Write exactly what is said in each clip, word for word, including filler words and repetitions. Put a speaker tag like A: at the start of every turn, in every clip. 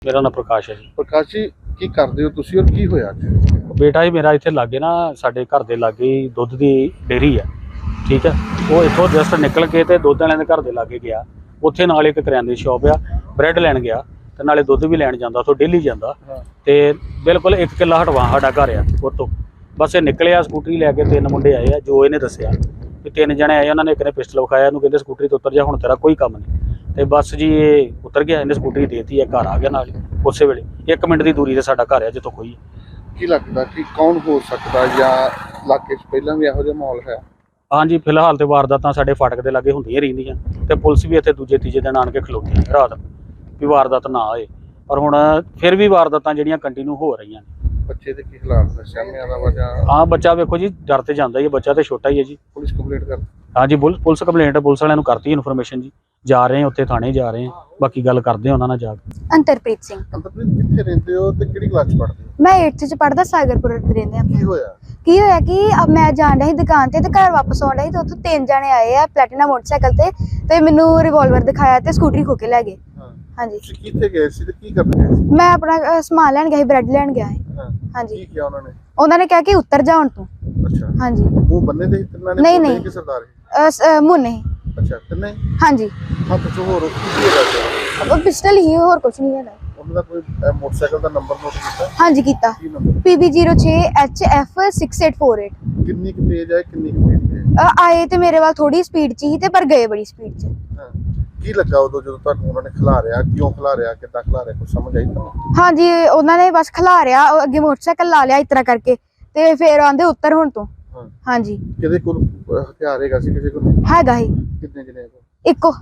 A: मेरा नाम प्रकाश है जी।
B: प्रकाश जी की करदे हो तुसी और की होया जी?
A: बेटा ही मेरा इत्थे लागे ना साडे घर दे लागे ही दुੱਧ दी डेयरी है, ठीक है। वो इत्थों जस्ट निकल के ते दुੱਧ वालिਆਂ ਦੇ घर दे लागे गया, उत्थे नाल एक करियाने दी शॉप आ, ब्रैड लैन गया ते नाले दुੱਧ भी लैन जांदा, उत्थों डेली जांदा ते बिल्कुल एक किला हटवा साडा घर आ उत्तों। बस ये निकलिया स्कूटरी लैके, तीन मुंडे आए आ जो इहने दस्सिया भी तीन जने आए, उन्होंने एक ने पिस्टल विखाया, इहनूं कहंदे स्कूटरी तो उतर जा, हुण तेरा कोई काम नहीं। तो बस जी ये उतर गया, इन्हें स्कूटरी देती है, घर आ गया नाल ही उस वेले, एक मिनट की दूरी से साडा घर है जितों कोई
B: की लगता कि कौन हो सकता या इलाके च पहलां भी इहो जिहा माहौल है?
A: हाँ जी, फिलहाल तो वारदातां साडे फाटक दे लागे हुंदियां रहिंदियां ते पुलिस भी इत्थे दूजे तीजे दिन आण के खलोती है रात भी वारदात ना आए, पर हुण फिर भी वारदातां जिहड़ियां कंटिन्यू हो रहीआं ने।
B: बच्चे दे की हालात ने सामने आदा वजह?
A: हाँ बच्चा वेखो जी डर ते जांदा ही है, बच्चा तो छोटा ही है जी।
B: पुलिस कंप्लेंट कर?
A: हाँ जी, पुलिस कंप्लेंट पुलिस वालियां नूं करती इन्फॉर्मेशन जी, जा रहे हैं उत्थे थाने जा रहे हैं, बाकी गल करदे हैं उन्हां नाल जाके।
C: अंतरप्रीत सिंह।
B: अंतरप्रीत कित्थे रहिंदे हो ते किहड़ी क्लास च पढ़दे हो?
C: मैं एट्थ च पढ़दा, सागरपुर रहिंदे आ।
B: की होया?
C: की होया कि अब मैं जाण रही दुकान ते ते घर वापस आउण रही ते उत्थों तीन जने आए आ प्लैटिना मोटरसाइकिल ते ते मैनू रिवॉल्वर दिखाया ते स्कूटरी खो के ले गए।
B: हां
C: हाँ जी।
B: तुसीं कित्थे गए सी ते की करन गए सी?
C: मैं अपना अ, समान लैण गया ही, ब्रेड लैण गया है।
B: हां
C: हाँ जी।
B: की किया उन्होंने?
C: उन्होंने कहा कि उतर जा हुण तू।
B: अच्छा
C: हाँ जी।
B: मुंह बन्ने दे तिन्नां ने?
C: नहीं,
B: बोले
C: नहीं।
B: कि सरदार है?
C: अ, स- अ, मुंह नहीं।
B: अच्छा तिन्ने?
C: हाँ जी।
B: हत्थ च होर की होया सी?
C: वो पिस्टल ही और कुछ नहीं है।
B: ਉਹਨਾਂ ਦਾ ਕੋਈ ਅਹ, ਮੋਟਰਸਾਈਕਲ ਦਾ ਨੰਬਰ ਨੋਟ ਕੀਤਾ?
C: हाँ जी कीता।
B: ਕੀ ਨੰਬਰ?
C: पी बी जीरो छे H F six eight four eight.
B: ਕਿੰਨੀ ਕੁ ਤੇਜ਼ ਹੈ ਕਿੰਨੀ ਕੁ ਤੇਜ਼ ਹੈ?
C: आए ते मेरे वाल थोड़ी स्पीड च ही ते पर गए बड़ी स्पीड च।
B: ਹਾਂ ਕੀ ਲੱਗਾ ਉਦੋਂ ਜਦੋਂ ਤੁਹਾਨੂੰ ਉਹਨਾਂ ਨੇ ਖਿਲਾਰਿਆ, ਕਿਉਂ ਖਿਲਾਰਿਆ, ਕਿੱਦਾਂ ਖਿਲਾਰਿਆ, ਕੁਝ ਸਮਝ ਆਈ ਤੁਹਾਨੂੰ?
C: हाँ जी, उन्होंने बस खिलारिया, अगे मोटरसाइकिल ला लिया इस तरह करके ते फिर आंदे उतर हुण तू।
B: ਹਾਂ
C: हाँ जी।
B: ਕਿਹਦੇ ਕੋਲ ਅਹ, ਹਥਿਆਰ ਹੈਗਾ ਸੀ, ਕਿਸੇ ਕੋਲ ਨਹੀਂ?
C: हैगा ही
B: ਕਿੰਨੇ ਜਣੇ ਕੋਲ?
C: इको।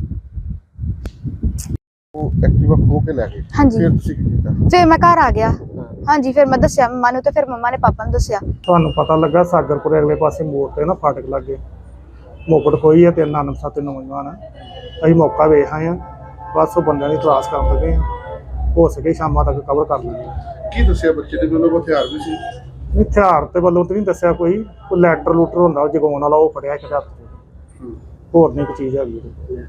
B: ਉਹ ਐਕਟਿਵਾ ਖੋ ਕੇ ਲੈ ਗਏ?
C: हाँ जी।
B: ਫਿਰ ਤੁਸੀਂ ਕੀ ਕੀਤਾ?
C: फिर मैं घर आ गया।
B: ਹਾਂ
C: हाँ जी, फिर मैं दस्या मम्मा नूं ते फिर मम्मा ने पापा नूं दस्या।
D: ਤੁਹਾਨੂੰ ਪਤਾ ਲੱਗਾ ਸਾਗਰਪੁਰ ਅਗਲੇ ਪਾਸੇ ਮੋੜ ਤੇ ਨਾ ਫਾਟਕ ਲੱਗੇ ਮੋਕੜ ਖੋਈ ਹੈ, ਤਿੰਨ ਨਾਨਕ ਸੱਤ ਨੌਜਵਾਨ ਅਸੀਂ ਮੌਕਾ ਵੇਖ ਆਏ ਹਾਂ, ਬਸ ਉਹ ਬੰਦਿਆਂ ਦੀ ਤਲਾਸ਼ ਕਰਨ ਲੱਗੇ ਹਾਂ, ਹੋ ਸਕੇ ਸ਼ਾਮਾਂ ਤੱਕ ਕਵਰ ਕਰ ਲਾਂਗੇ।
B: ਕੀ ਦੱਸਿਆ ਬੱਚੇ ਦੇ ਕੋਲ ਹਥਿਆਰ ਵੀ ਸੀ?
D: ਹਥਿਆਰ ਤੇ ਵੱਲੋਂ ਤੇ ਨਹੀਂ ਦੱਸਿਆ ਕੋਈ, ਕੋਈ ਲੈਟਰ ਲੂਟਰ ਹੁੰਦਾ ਉਹ ਜਗਾਉਣ ਵਾਲਾ, ਉਹ ਫੜਿਆ ਇੱਕ ਹੱਥ 'ਚ, ਹੋਰ ਨਹੀਂ ਕੋਈ ਚੀਜ਼ ਹੈਗੀ ਉਹਦੇ।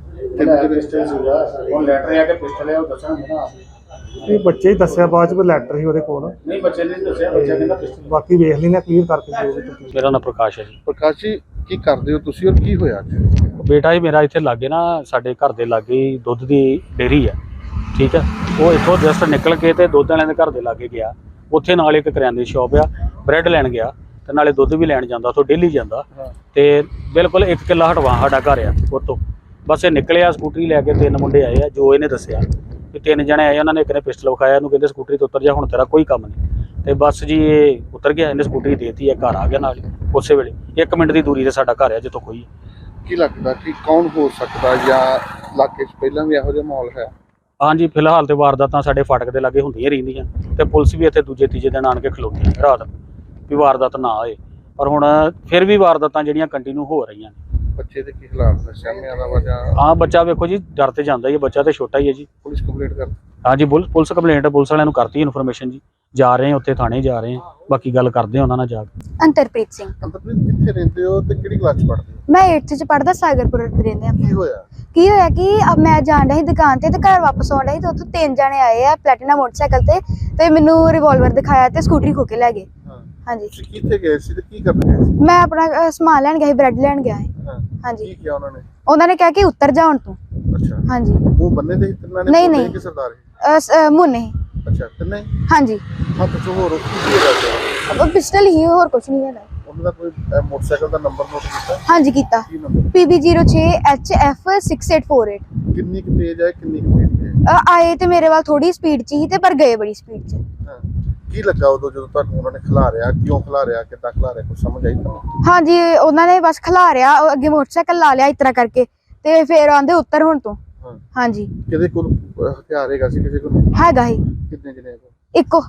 A: ਉਹ ਲੈਟਰ ਆ ਕੇ ਪਿਸਟਲ ਹੈ ਉਹ ਦੱਸਣਾ ਨਾ
D: ਇਹ ਬੱਚੇ ਹੀ ਦੱਸਿਆ ਬਾਅਦ 'ਚ ਵੀ ਲੈਟਰ ਸੀ ਉਹਦੇ ਕੋਲ,
A: ਨਹੀਂ ਬੱਚੇ ਨੇ ਦੱਸਿਆ, ਬੱਚਾ ਕਹਿੰਦਾ ਪਿਸਟਲ।
D: ਬਾਕੀ ਵੇਖ ਲੈਣਾ ਕਲੀਅਰ ਕਰਕੇ ਜੋ ਵੀ ਤੁਸੀਂ।
A: मेरा नाम प्रकाश है जी।
B: ਪ੍ਰਕਾਸ਼ ਜੀ ਕੀ ਕਰਦੇ ਹੋ ਤੁਸੀਂ ਔਰ ਕੀ ਹੋਇਆ ਜੀ?
A: बेटा ही मेरा इत्थे लागे ना साडे घर दे लागे ही दुੱਧ दी डेयरी है, ठीक है। वो इत्थों जस्ट निकल के ते दुੱਧ वालिਆਂ ਦੇ घर दे लागे गया, उत्थे नाल एक करियाने दी शॉप आ, ब्रैड लैन गया ते नाले दुੱਧ भी लैन जांदा, उत्थों डेली जांदा ते बिल्कुल एक किला हटवा साडा घर आ उत्तों। बस ये निकलिया स्कूटरी लैके, तीन मुंडे आए आ जो इहने दस्सिया भी तीन जने आए, उन्होंने एक ने पिस्टल विखाया, इहनूं कहंदे स्कूटरी तो उतर जा, हुण तेरा कोई काम नहीं। तो बस जी ये उतर गया, इन्हें स्कूटरी देती है, घर आ गया नाल ही उस वेले, एक मिनट की दूरी से साडा घर है जितों कोई
B: ਕੀ ਲੱਗਦਾ ਕਿ ਕੌਣ ਹੋ ਸਕਦਾ ਜਾਂ ਇਲਾਕੇ ਚ ਪਹਿਲਾਂ ਵੀ ਇਹੋ ਜਿਹਾ ਮਾਹੌਲ ਹੈ?
A: हाँ जी, फिलहाल तो वारदातां साडे फाटक दे लागे हुंदियां रहिंदियां ते पुलिस भी इत्थे दूजे तीजे दिन आण के खलोती है रात भी वारदात ना आए, पर हुण फिर भी वारदातां जिहड़ियां कंटिन्यू हो रहीआं ने।
B: ਬੱਚੇ ਦੇ ਕੀ ਹਾਲਾਤ ਨੇ ਸਾਹਮਣੇ ਆਦਾ ਵਜ੍ਹਾ?
A: हाँ बच्चा वेखो जी डर ते जांदा ही है, बच्चा तो छोटा ही है जी।
B: ਪੁਲਿਸ ਕੰਪਲੇਂਟ ਕਰ?
A: हाँ जी, पुलिस पुलिस कंप्लेंट पुलिस वालियां नूं करती इन्फॉर्मेशन जी, जा रहे हैं उत्थे थाने जा रहे हैं, बाकी गल करदे हैं उन्हां नाल जाके।
C: अंतरप्रीत सिंह।
B: ਅੰਤਰਪ੍ਰੀਤ ਕਿੱਥੇ ਰਹਿੰਦੇ ਹੋ ਤੇ ਕਿਹੜੀ ਕਲਾਸ ਚ ਪੜ੍ਹਦੇ ਹੋ?
C: मैं एट्थ च पढ़दा, सागरपुर रहिंदे आ।
B: ਕੀ ਹੋਇਆ?
C: की होया कि अब मैं जाण रही दुकान ते ते घर वापस आउण रही ते उत्थों तीन जने आए आ प्लैटिना मोटरसाइकिल ते ते मैनू रिवॉल्वर दिखाया ते स्कूटरी खो के ले गए।
B: ਹਾਂ
C: हाँ जी।
B: ਤੁਸੀਂ ਕਿੱਥੇ ਗਏ ਸੀ ਤੇ ਕੀ ਕਰਨ ਗਏ ਸੀ?
C: मैं अपना अ, समान लैण गया ही, ब्रेड लैण गया है।
B: ਹਾਂ
C: हाँ जी।
B: ਕੀ ਕਿਹਾ ਉਹਨਾਂ ਨੇ?
C: उन्होंने कहा कि उतर जा हुण तू।
B: ਅੱਛਾ
C: हाँ जी।
B: ਮੂੰਹ ਬੰਨੇ ਦੇ ਤਿੰਨਾਂ ਨੇ?
C: नहीं,
B: ਬੋਲੇ
C: नहीं।
B: ਕਿ ਸਰਦਾਰ ਹੈ?
C: अ, स- अ, मुंह नहीं।
B: ਅੱਛਾ ਤਿੰਨੇ?
C: हाँ जी।
B: ਹੱਥ ਚ ਹੋਰ ਕੀ ਹੋਇਆ ਸੀ?
C: वो पिस्टल ही और कुछ नहीं है।
B: ਉਹਨਾਂ ਦਾ ਕੋਈ ਅਹ, ਮੋਟਰਸਾਈਕਲ ਦਾ ਨੰਬਰ ਨੋਟ ਕੀਤਾ?
C: हाँ जी कीता।
B: ਕੀ ਨੰਬਰ?
C: पी बी जीरो छे H F six eight four eight.
B: ਕਿੰਨੀ ਕੁ ਤੇਜ਼ ਹੈ ਕਿੰਨੀ ਕੁ ਤੇਜ਼ ਹੈ?
C: आए ते मेरे वाल थोड़ी स्पीड च ही ते पर गए बड़ी स्पीड च।
B: ਹਾਂ ਕੀ ਲੱਗਾ ਉਦੋਂ ਜਦੋਂ ਤੁਹਾਨੂੰ ਉਹਨਾਂ ਨੇ ਖਿਲਾਰਿਆ, ਕਿਉਂ ਖਿਲਾਰਿਆ, ਕਿੱਦਾਂ ਖਿਲਾਰਿਆ, ਕੁਝ ਸਮਝ ਆਈ ਤੁਹਾਨੂੰ?
C: हाँ जी, उन्होंने बस खिलारिया, अगे मोटरसाइकिल ला लिया इस तरह करके ते फिर आंदे उतर हुण तू।
B: ਹਾਂ
C: हाँ जी।
B: ਕਿਹਦੇ ਕੋਲ ਅਹ, ਹਥਿਆਰ ਹੈਗਾ ਸੀ, ਕਿਸੇ ਕੋਲ ਨਹੀਂ?
C: हैगा ही
B: ਕਿੰਨੇ ਜਣੇ ਕੋਲ?
C: इको।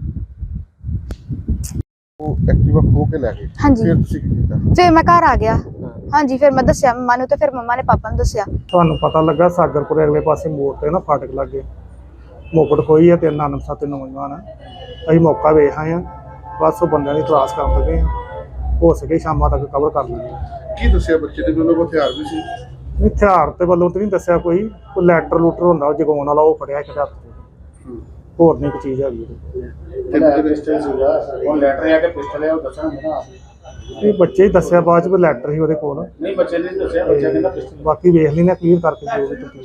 B: ਉਹ ਐਕਟਿਵਾ ਖੋ ਕੇ ਲੈ ਗਏ?
C: हाँ जी।
B: ਫਿਰ ਤੁਸੀਂ ਕੀ ਕੀਤਾ?
C: फिर मैं घर आ गया।
B: ਹਾਂ
C: हाँ जी, फिर मैं दस्या मम्मा नूं ते फिर मम्मा ने पापा नूं दस्या।
D: ਤੁਹਾਨੂੰ ਪਤਾ ਲੱਗਾ ਸਾਗਰਪੁਰ ਅਗਲੇ ਪਾਸੇ ਮੋੜ ਤੇ ਨਾ ਫਾਟਕ ਲੱਗੇ ਮੋਕੜ ਖੋਈ ਹੈ, ਤਿੰਨ ਨਾਨਕ ਸੱਤ ਨੌਜਵਾਨ ਅਸੀਂ ਮੌਕਾ ਵੇਖ ਆਏ ਹਾਂ, ਬਸ ਉਹ ਬੰਦਿਆਂ ਦੀ ਤਲਾਸ਼ ਕਰਨ ਲੱਗੇ ਹਾਂ, ਹੋ ਸਕੇ ਸ਼ਾਮਾਂ ਤੱਕ ਕਵਰ ਕਰ ਲਾਂਗੇ।
B: ਕੀ ਦੱਸਿਆ ਬੱਚੇ ਦੇ ਕੋਲ ਹਥਿਆਰ ਵੀ ਸੀ?
D: ਹਥਿਆਰ ਤੇ ਵੱਲੋਂ ਤੇ ਨਹੀਂ ਦੱਸਿਆ ਕੋਈ, ਕੋਈ ਲੈਟਰ ਲੂਟਰ ਹੁੰਦਾ ਉਹ ਜਗਾਉਣ ਵਾਲਾ, ਉਹ ਫੜਿਆ ਇੱਕ ਹੱਥ 'ਚ, ਹੋਰ ਨਹੀਂ ਕੋਈ ਚੀਜ਼ ਹੈਗੀ ਉਹਦੇ।
B: ਕਿੰਨੇ ਪਿਸਟਲ ਸੀਗਾ
E: ਉਹ ਲੈਟਰ ਆ ਕੇ ਪਿਸਟਲ ਹੈ ਉਹ ਦੱਸਣਗੇ ਨਾ
D: ਇਹ ਬੱਚੇ ਹੀ ਦੱਸਿਆ ਬਾਅਦ ਚ ਵੀ ਲੈਟਰ ਸੀ ਉਹਦੇ ਕੋਲ।
E: ਨਹੀਂ ਬੱਚੇ ਨੇ ਦੱਸਿਆ ਬੱਚਾ ਕਹਿੰਦਾ ਪਿਸਟਲ
D: ਬਾਕੀ ਵੇਖ ਲੈਣਾ ਕਲੀਅਰ ਕਰਕੇ ਜੋ ਵੀ ਤੁਸੀਂ